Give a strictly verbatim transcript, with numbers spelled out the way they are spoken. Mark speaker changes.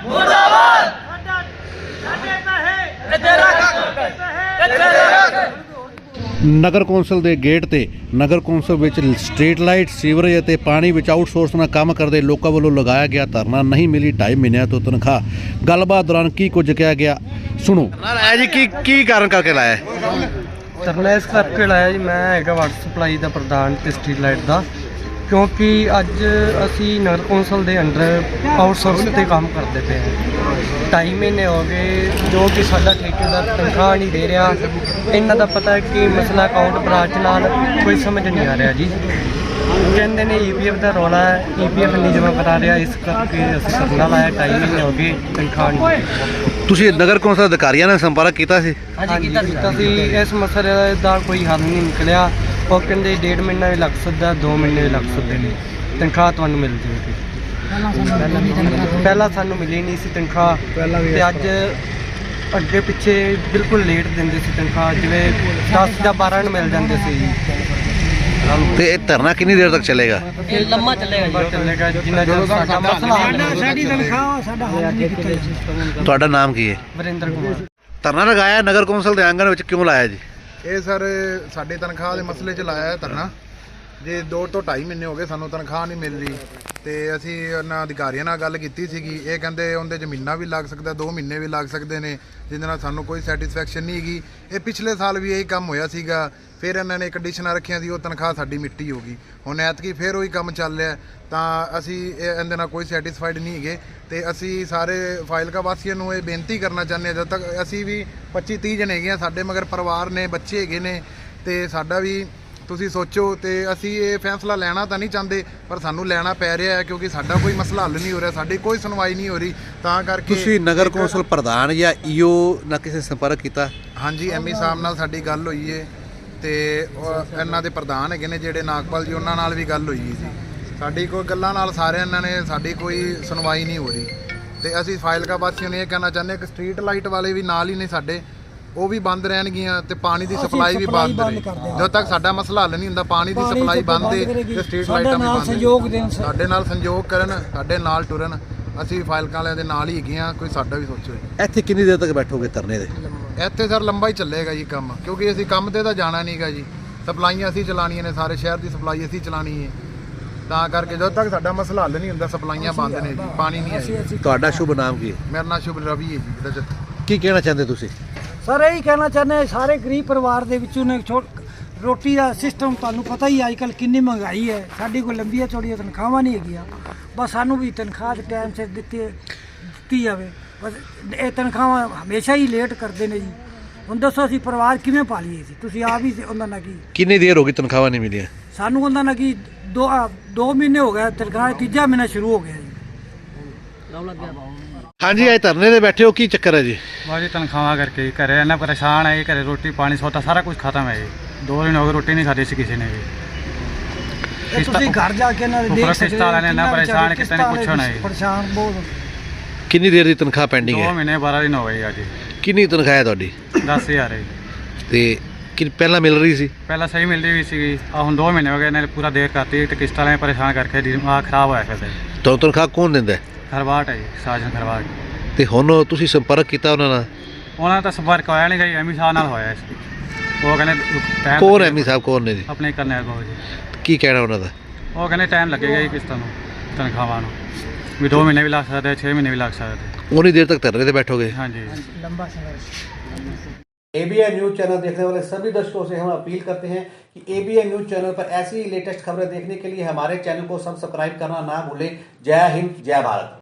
Speaker 1: ਨਗਰ council ਦੇ gate ਤੇ ਨਗਰ ਕੌਂਸਲ ਵਿੱਚ ਸਟਰੀਟ ਲਾਈਟ ਸੀਵਰੇਜ ਅਤੇ ਪਾਣੀ ਵਿੱਚ ਆਊਟਸੋਰਸ ਨਾਲ ਕੰਮ ਕਰਦੇ ਲੋਕਾਂ ਵੱਲੋਂ ਲਗਾਇਆ ਗਿਆ ਧਰਨਾ ਨਹੀਂ ਮਿਲੀ ਢਾਈ ਮਹੀਨਿਆਂ ਤੋਂ ਤਨਖਾਹ। ਗੱਲਬਾਤ ਦੌਰਾਨ ਕੀ ਕੁਝ ਕਿਹਾ ਗਿਆ ਸੁਣੋ।
Speaker 2: ਹੈ ਜੀ ਕੀ ਕੀ ਕਾਰਨ ਕਰਕੇ ਲਾਇਆ
Speaker 3: ਧਰਨਾ ਇਸ ਕਰਕੇ ਲਾਇਆ ਜੀ, ਮੈਂ ਹੈਗਾ ਵਾਟਰ ਸਪਲਾਈ ਦਾ ਪ੍ਰਧਾਨ ਤੇ ਸਟਰੀਟ ਲਾਈਟ ਦਾ, ਕਿਉਂਕਿ ਅੱਜ ਅਸੀਂ ਨਗਰ ਕੌਂਸਲ ਦੇ ਅੰਡਰ ਆਊਟਸੋਰਸ ਤੇ ਕੰਮ ਕਰਦੇ ਪਏ ਹਾਂ। ਢਾਈ ਮਹੀਨੇ ਹੋ ਗਏ ਜੋ ਕਿ ਸਾਡਾ ਠੇਕੇਦਾਰ ਤਨਖਾਹ ਨਹੀਂ ਦੇ ਰਿਹਾ। ਇਹਨਾਂ ਦਾ ਪਤਾ ਹੈ ਕਿ ਮਸਲਾ ਅਕਾਊਂਟ ਬ੍ਰਾਂਚ ਨਾਲ ਕੋਈ ਸਮਝ ਨਹੀਂ ਆ ਰਿਹਾ ਜੀ। ਕਹਿੰਦੇ ਨੇ ਈ ਪੀ ਐਫ ਦਾ ਰੌਲਾ ਹੈ, ਈ ਪੀ ਐਫ ਨਹੀਂ ਜਮ੍ਹਾਂ ਕਰਾ ਰਿਹਾ, ਇਸ ਕਰਕੇ ਅਸੀਂ ਧਰਨਾ ਲਾਇਆ। ਢਾਈ ਮਹੀਨੇ ਹੋ ਗਏ ਤਨਖਾਹ ਨਹੀਂ।
Speaker 2: ਤੁਸੀਂ ਨਗਰ ਕੌਂਸਲ ਅਧਿਕਾਰੀਆਂ ਨਾਲ ਸੰਪਰਕ ਕੀਤਾ ਸੀ?
Speaker 3: ਹਾਂਜੀ ਕੀਤਾ ਸੀ। ਇਸ ਮਸਲੇ ਦਾ ਕੋਈ ਹੱਲ ਨਹੀਂ ਨਿਕਲਿਆ। ਉਹ ਕਹਿੰਦੇ ਡੇਢ ਮਹੀਨਾ ਵੀ ਲੱਗ ਸਕਦਾ, ਦੋ ਮਹੀਨੇ ਵੀ ਲੱਗ ਸਕਦੇ ਨੇ, ਤਨਖਾਹ ਤੁਹਾਨੂੰ ਮਿਲ ਜਾਵੇਗੀ। ਪਹਿਲਾਂ ਸਾਨੂੰ ਮਿਲੀ ਨਹੀਂ ਸੀ ਤਨਖਾਹ, ਤੇ ਅੱਜ ਅੱਗੇ ਪਿੱਛੇ ਬਿਲਕੁਲ ਲੇਟ ਦਿੰਦੇ ਸੀ ਤਨਖਾਹ, ਜਿਵੇਂ ਦਸ ਜਾਂ ਬਾਰਾਂ ਨੂੰ ਮਿਲ ਜਾਂਦੇ ਸੀ ਜੀ।
Speaker 2: ਤੇ ਇਹ ਧਰਨਾ ਕਿੰਨੀ ਦੇਰ ਤੱਕ ਚੱਲੇਗਾ?
Speaker 3: ਇਹ ਲੰਮਾ ਚੱਲੇਗਾ ਚੱਲੇਗਾ ਜਿੰਨਾ ਚਿਰ ਸਾਡਾ ਮਸਲਾ ਸਾਡੀ ਤਨਖਾਹ ਸਾਡਾ ਹੱਲ ਨਹੀਂ ਕੀਤਾ।
Speaker 2: ਤੁਹਾਡਾ ਨਾਮ ਕੀ ਹੈ?
Speaker 3: ਵਰਿੰਦਰ ਕੁਮਾਰ।
Speaker 2: ਧਰਨਾ ਲਗਾਇਆ ਨਗਰ ਕੌਂਸਲ ਦੇ ਆਂਗਣ ਵਿੱਚ, ਕਿਉਂ ਲਾਇਆ ਜੀ?
Speaker 4: ਇਹ ਸਰ ਸਾਡੇ ਤਨਖਾਹ ਦੇ ਮਸਲੇ 'ਚ ਲਾਇਆ ਹੈ ਧਰਨਾ। ਜੇ ਦੋ ਤੋਂ ਢਾਈ ਮਹੀਨੇ ਹੋ ਗਏ ਸਾਨੂੰ ਤਨਖਾਹ ਨਹੀਂ ਮਿਲ ਰਹੀ, ਤੇ ਅਸੀਂ ਉਹਨਾਂ ਅਧਿਕਾਰੀਆਂ ਨਾਲ ਗੱਲ ਕੀਤੀ ਸੀਗੀ। ਇਹ ਕਹਿੰਦੇ ਉਹਦੇ 'ਚ ਮਹੀਨਾ ਵੀ ਲੱਗ ਸਕਦਾ, ਦੋ ਮਹੀਨੇ ਵੀ ਲੱਗ ਸਕਦੇ ਨੇ, ਜਿਹਦੇ ਨਾਲ ਸਾਨੂੰ ਕੋਈ ਸੈਟੀਸਫੈਕਸ਼ਨ ਨਹੀਂ ਹੈਗੀ। ਇਹ ਪਿਛਲੇ ਸਾਲ ਵੀ ਇਹੀ ਕੰਮ ਹੋਇਆ ਸੀਗਾ, ਫਿਰ ਇਹਨਾਂ ਨੇ ਕੰਡੀਸ਼ਨਾਂ ਰੱਖੀਆਂ ਸੀ, ਉਹ ਤਨਖਾਹ ਸਾਡੀ ਮਿੱਟੀ ਹੋ ਗਈ। ਹੁਣ ਐਤਕੀ ਫਿਰ ਉਹੀ ਕੰਮ ਚੱਲ ਰਿਹਾ, ਤਾਂ ਅਸੀਂ ਇਹਦੇ ਨਾਲ ਕੋਈ ਸੈਟੀਸਫਾਈਡ ਨਹੀਂ ਹੈਗੇ। ਤੇ ਅਸੀਂ ਸਾਰੇ ਫਾਜ਼ਿਲਕਾ ਵਾਸੀਆਂ ਨੂੰ ਇਹ ਬੇਨਤੀ ਕਰਨਾ ਚਾਹੁੰਦੇ ਹਾਂ, ਜਦ ਤੱਕ ਅਸੀਂ ਵੀ ਪੱਚੀ ਤੀਹ ਜਣੇ ਹੈਗੇ ਹਾਂ, ਸਾਡੇ ਮਗਰ ਪਰਿਵਾਰ ਨੇ, ਬੱਚੇ ਹੈਗੇ ਨੇ, ਤੇ ਸਾਡਾ ਵੀ ਤੁਸੀਂ ਸੋਚੋ। ਤੇ ਅਸੀਂ ਇਹ ਫੈਸਲਾ ਲੈਣਾ ਤਾਂ ਨਹੀਂ ਚਾਹੁੰਦੇ, ਪਰ ਸਾਨੂੰ ਲੈਣਾ ਪੈ ਰਿਹਾ ਹੈ, ਕਿਉਂਕਿ ਸਾਡਾ ਕੋਈ ਮਸਲਾ ਹੱਲ ਨਹੀਂ ਹੋ ਰਿਹਾ, ਸਾਡੀ ਕੋਈ ਸੁਣਵਾਈ ਨਹੀਂ ਹੋ ਰਹੀ। ਤਾਂ ਕਰਕੇ
Speaker 2: ਤੁਸੀਂ ਨਗਰ ਕੌਂਸਲ ਪ੍ਰਧਾਨ ਜਾਂ ਈ ਓ ਨਾਲ ਕਿਸੇ ਸੰਪਰਕ ਕੀਤਾ?
Speaker 4: ਹਾਂਜੀ, ਐਮ ਈ ਸਾਹਿਬ ਨਾਲ ਸਾਡੀ ਗੱਲ ਹੋਈ ਹੈ, ਤੇ ਇਹਨਾਂ ਦੇ ਪ੍ਰਧਾਨ ਹੈਗੇ ਨੇ ਜਿਹੜੇ ਨਾਗਪਾਲ ਜੀ, ਉਹਨਾਂ ਨਾਲ ਵੀ ਗੱਲ ਹੋਈ ਹੈ ਜੀ। ਸਾਡੀ ਕੋਈ ਗੱਲਾਂ ਨਾਲ ਸਾਰਿਆਂ ਇਹਨਾਂ ਨੇ ਸਾਡੀ ਕੋਈ ਸੁਣਵਾਈ ਨਹੀਂ ਹੋ ਰਹੀ। ਤੇ ਅਸੀਂ ਫਾਜ਼ਿਲਕਾ ਵਾਸੀਆਂ ਨੂੰ ਇਹ ਕਹਿਣਾ ਚਾਹੁੰਦੇ ਹਾਂ ਕਿ ਸਟਰੀਟ ਲਾਈਟ ਵਾਲੇ ਵੀ ਨਾਲ ਹੀ ਨੇ ਸਾਡੇ, ਉਹ ਵੀ ਬੰਦ ਰਹਿਣਗੀਆਂ, ਤੇ ਪਾਣੀ ਦੀ ਸਪਲਾਈ ਵੀ ਬੰਦ ਰਹੇ। ਜਦੋਂ ਤੱਕ ਸਾਡਾ ਮਸਲਾ ਹੱਲ ਨਹੀਂ ਹੁੰਦਾ, ਪਾਣੀ ਦੀ ਸਪਲਾਈ ਬੰਦ ਹੈ ਤੇ ਸਟਰੀਟ ਲਾਈਟਾਂ ਵੀ ਬੰਦ। ਸਾਡੇ ਨਾਲ ਸੰਯੋਗ ਕਰਨ, ਸਾਡੇ ਨਾਲ ਟੁਰਨ, ਅਸੀਂ ਫਾਜ਼ਿਲਕਾ ਵਾਲਿਆਂ ਦੇ ਨਾਲ ਹੀ ਹੈਗੇ ਹਾਂ। ਕੋਈ ਸਾਡਾ ਵੀ ਸੋਚੋ।
Speaker 2: ਇੱਥੇ ਕਿੰਨੀ ਦੇਰ ਤੱਕ ਬੈਠੋਗੇ ਧਰਨੇ ਦੇ?
Speaker 4: ਇੱਥੇ ਸਰ ਲੰਬਾ ਹੀ ਚੱਲੇਗਾ ਜੀ ਕੰਮ, ਕਿਉਂਕਿ ਅਸੀਂ ਕੰਮ ਤੇ ਤਾਂ ਜਾਣਾ ਨਹੀਂਗਾ ਜੀ। ਸਪਲਾਈਆਂ ਅਸੀਂ ਚਲਾਉਣੀਆਂ ਨੇ, ਸਾਰੇ ਸ਼ਹਿਰ ਦੀ ਸਪਲਾਈ ਅਸੀਂ ਚਲਾਉਣੀ ਹੈ। ਤਾਂ ਕਰਕੇ ਜਦੋਂ ਤੱਕ ਸਾਡਾ ਮਸਲਾ ਹੱਲ ਨਹੀਂ ਹੁੰਦਾ, ਸਪਲਾਈਆਂ ਬੰਦ ਨੇ ਜੀ, ਪਾਣੀ ਨਹੀਂ ਹੈ।
Speaker 2: ਤੁਹਾਡਾ ਸ਼ੁਭ ਨਾਮ ਕੀ ਹੈ?
Speaker 4: ਮੇਰਾ ਨਾਮ ਸ਼ੁਭ ਰਵੀ ਹੈ ਜੀ।
Speaker 2: ਕੀ ਕਹਿਣਾ ਚਾਹੁੰਦੇ ਤੁਸੀਂ?
Speaker 5: ਸਰ ਇਹੀ ਕਹਿਣਾ ਚਾਹੁੰਦੇ, ਸਾਰੇ ਗਰੀਬ ਪਰਿਵਾਰ ਦੇ ਵਿੱਚੋਂ ਨੇ ਰੋਟੀ ਦਾ ਸਿਸਟਮ ਤੁਹਾਨੂੰ ਪਤਾ ਹੀ ਅੱਜ ਕੱਲ੍ਹ ਕਿੰਨੀ ਮਹਿੰਗਾਈ ਹੈ। ਸਾਡੀ ਕੋਈ ਲੰਬੀਆਂ ਚੌੜੀਆਂ ਤਨਖਾਹਾਂ ਨਹੀਂ ਹੈਗੀਆਂ, ਬਸ ਸਾਨੂੰ ਵੀ ਤਨਖਾਹ ਦੇ ਟਾਈਮ ਸਿਰ ਦਿੱਤੀ ਦਿੱਤੀ ਜਾਵੇ। ਬਸ ਇਹ ਤਨਖਾਹਾਂ ਹਮੇਸ਼ਾ ਹੀ ਲੇਟ ਕਰਦੇ ਨੇ ਜੀ। ਹੁਣ ਦੱਸੋ ਅਸੀਂ ਪਰਿਵਾਰ ਕਿਵੇਂ ਪਾਲੀਏ ਸੀ? ਤੁਸੀਂ ਆਪ ਹੀ ਉਹਨਾਂ ਨਾਲ ਕੀ
Speaker 2: ਕਿੰਨੀ ਦੇਰ ਹੋ ਗਈ ਤਨਖਾਹਾਂ ਨਹੀਂ ਮਿਲੀਆਂ?
Speaker 5: ਸਾਨੂੰ ਉਹਨਾਂ ਨਾਲ ਕੀ ਦੋ ਦੋ ਮਹੀਨੇ ਹੋ ਗਏ, ਤਨਖਾਹ ਤੀਜਾ ਮਹੀਨਾ ਸ਼ੁਰੂ ਹੋ ਗਿਆ ਜੀ।
Speaker 2: ਹਾਂਜੀ, ਅੱਜ ਧਰਨੇ ਦੇ ਬੈਠੇ ਹੋ, ਕੀ ਚੱਕਰ ਹੈ ਜੀ?
Speaker 3: ਬਾਜੀ ਤਨਖਾਹਾਂ ਕਰਕੇ ਘਰੇ ਇੰਨਾ ਪਰੇਸ਼ਾਨ ਹੈ, ਘਰੇ ਰੋਟੀ ਪਾਣੀ ਸੌਦਾ ਸਾਰਾ ਕੁਝ ਖਤਮ ਹੈ ਜੀ। ਦੋ ਦਿਨ ਹੋ ਗਏ ਰੋਟੀ ਨਹੀਂ ਖਾਧੀ ਸੀ ਕਿਸੇ ਨੇ ਵੀ।
Speaker 5: ਤੁਸੀਂ ਘਰ ਜਾ ਕੇ ਇਹਨਾਂ ਦੇ ਦੇਖ ਸਕਦੇ ਹੋ
Speaker 3: ਵਾਲਿਆਂ ਨੇ ਇੰਨਾ ਪਰੇਸ਼ਾਨ ਕੀਤਾ, ਨਹੀਂ ਪੁੱਛੋ ਨਾ ਜੀ।
Speaker 5: ਪਰੇਸ਼ਾਨ ਬਹੁਤ।
Speaker 2: ਕਿੰਨੀ ਦੇਰ ਦੀ ਤਨਖਾਹ ਪੈਂਡਿੰਗ
Speaker 3: ਦੋ
Speaker 2: ਹੈ?
Speaker 3: ਮਹੀਨੇ ਬਾਰਾਂ ਦਿਨ ਹੋ ਗਏ ਅੱਜ।
Speaker 2: ਕਿੰਨੀ ਤਨਖਾਹ ਹੈ ਤੁਹਾਡੀ?
Speaker 3: ਦਸ ਹਜ਼ਾਰ ਹੈ।
Speaker 2: ਤੇ ਕਿ ਪਹਿਲਾਂ ਮਿਲ ਰਹੀ ਸੀ?
Speaker 3: ਪਹਿਲਾਂ ਸਹੀ ਮਿਲਦੀ ਵੀ ਸੀਗੀ, ਆ ਹੁਣ ਦੋ ਮਹੀਨੇ ਹੋ ਗਏ ਇਹਨਾਂ ਨੇ ਪੂਰਾ ਦੇਰ ਕਰਤੀ, ਤੇ ਕਿਸ਼ਤਾਂ ਵਾਲੇ ਪਰੇਸ਼ਾਨ ਕਰਕੇ ਦਿਮਾਗ ਖਰਾਬ ਹੋਇਆ ਫਿਰ।
Speaker 2: ਤੁਹਾਨੂੰ ਤਨਖਾਹ ਕੌਣ ਦਿੰਦਾ?
Speaker 3: ਖਰਵਾਟ ਹੈ ਜੀ, ਸਾਜਨ ਖਰਵਾਟ।
Speaker 2: ਤੇ ਹੁਣ ਤੁਸੀਂ ਸੰਪਰਕ ਕੀਤਾ ਉਹਨਾਂ ਨਾਲ?
Speaker 3: ਉਹਨਾਂ ਦਾ ਤਾਂ ਸੰਪਰਕ ਹੋਇਆ ਨਹੀਂ ਗਈ, ਐਮੀ ਸਾਹਿਬ ਨਾਲ ਹੋਇਆ ਸੀ। ਉਹ ਕਹਿੰਦੇ ਟਾਈਮ
Speaker 2: ਕੌਣ ਐਮੀ ਸਾਹਿਬ ਕੌਣ ਨੇ ਜੀ?
Speaker 3: ਆਪਣੇ ਕਰਨੈਲ ਬਾਬੂ ਜੀ।
Speaker 2: ਕੀ ਕਹਿਣਾ ਉਹਨਾਂ ਦਾ?
Speaker 3: ਉਹ ਕਹਿੰਦੇ ਟਾਈਮ ਲੱਗੇਗਾ ਜੀ ਕਿਸ਼ਤਾਂ ਨੂੰ, ਤਨਖਾਹਾਂ ਨੂੰ ਵੀ ਦੋ ਮਹੀਨੇ ਵੀ ਲੱਗ ਸਕਦੇ, ਛੇ ਮਹੀਨੇ भी लग सकते।
Speaker 2: उतनी देर तक धरने पे बैठोगे?
Speaker 3: हाँ जी।
Speaker 5: लंबा संघर्ष।
Speaker 6: एबीएन न्यूज चैनल देखने वाले सभी दर्शकों से हम अपील करते हैं कि एबीएन न्यूज चैनल पर ऐसी लेटेस्ट खबरें देखने के लिए हमारे चैनल को सब्सक्राइब करना ना भूलें। जय हिंद, जय भारत।